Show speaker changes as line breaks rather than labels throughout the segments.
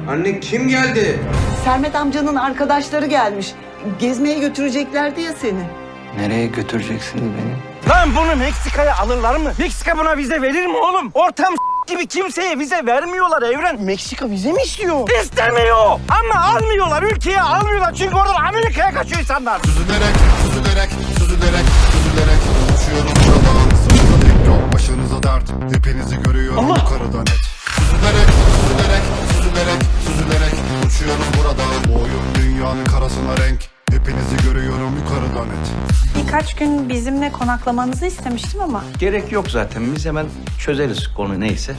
Anne kim geldi?
Sermet amcanın arkadaşları gelmiş. Gezmeye götüreceklerdi ya seni.
Nereye götüreceksiniz beni?
Lan bunu Meksika'ya alırlar mı? Meksika buna vize verir mi oğlum? Ortam gibi kimseye vize vermiyorlar Evren.
Meksika vize mi istiyor?
İstemiyor. Ama almıyorlar. Ülkeye almıyorlar. Çünkü oradan Amerika'ya kaçıyor insanlar.
Süzülerek, süzülerek, süzülerek, süzülerek uçuyorum buradan. Sırtımda tek yok, başınıza dert. Hepinizi görüyorum yukarıdan net. Süzülerek, süzülerek, süzülerek, süzülerek uçuyorum buradan. Bu oyun dünyanın karasına renk. Hepinizi görüyorum yukarıdan net.
Birkaç gün bizimle konaklamanızı istemiştim ama
Gerek yok zaten. Biz hemen çözeriz konu neyse.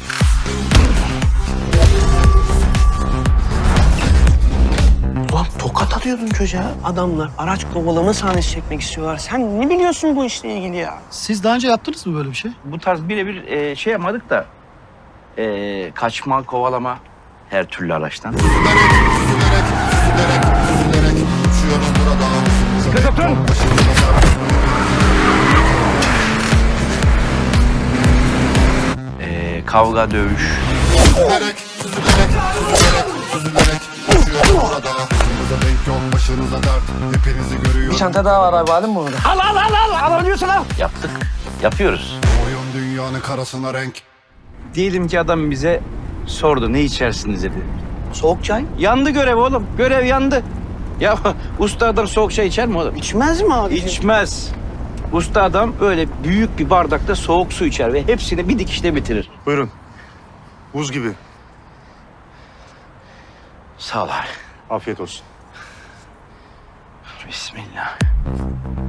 Ulan tokat atıyordun çocuğa. Adamlar araç kovalama sahnesi çekmek istiyorlar. Sen ne biliyorsun bu işle ilgili ya?
Siz daha önce yaptınız mı böyle bir şey?
Bu tarz birebir şey yapmadık da kaçma, kovalama her türlü araçtan.
Süzülerek, süzülerek, süzülerek, süzülerek uçuyorum buradan. Sırtımda tek yok, başınıza dert.
Kavga, dövüş.
Süzülerek, süzülerek, süzülerek, süzülerek uçuyorum burada. Başınıza denk yok, başınıza dert. Hepinizi görüyorum.
Bir çanta daha var abi, aldın mı bunu?
Alabiliyorsun al.
Yaptık. Yapıyoruz.
Bu oyun dünyanın karasına renk.
Diyelim ki adam bize sordu ne içersiniz dedi.
Soğuk çay.
Yandı görev oğlum. Görev yandı. Ya usta adam soğuk çay içer mi oğlum?
İçmez mi abi?
İçmez. Usta adam böyle büyük bir bardakta soğuk su içer ve hepsini bir dikişte bitirir.
Buyurun. Buz gibi.
Sağ ol abi.
Afiyet olsun.
Bismillah.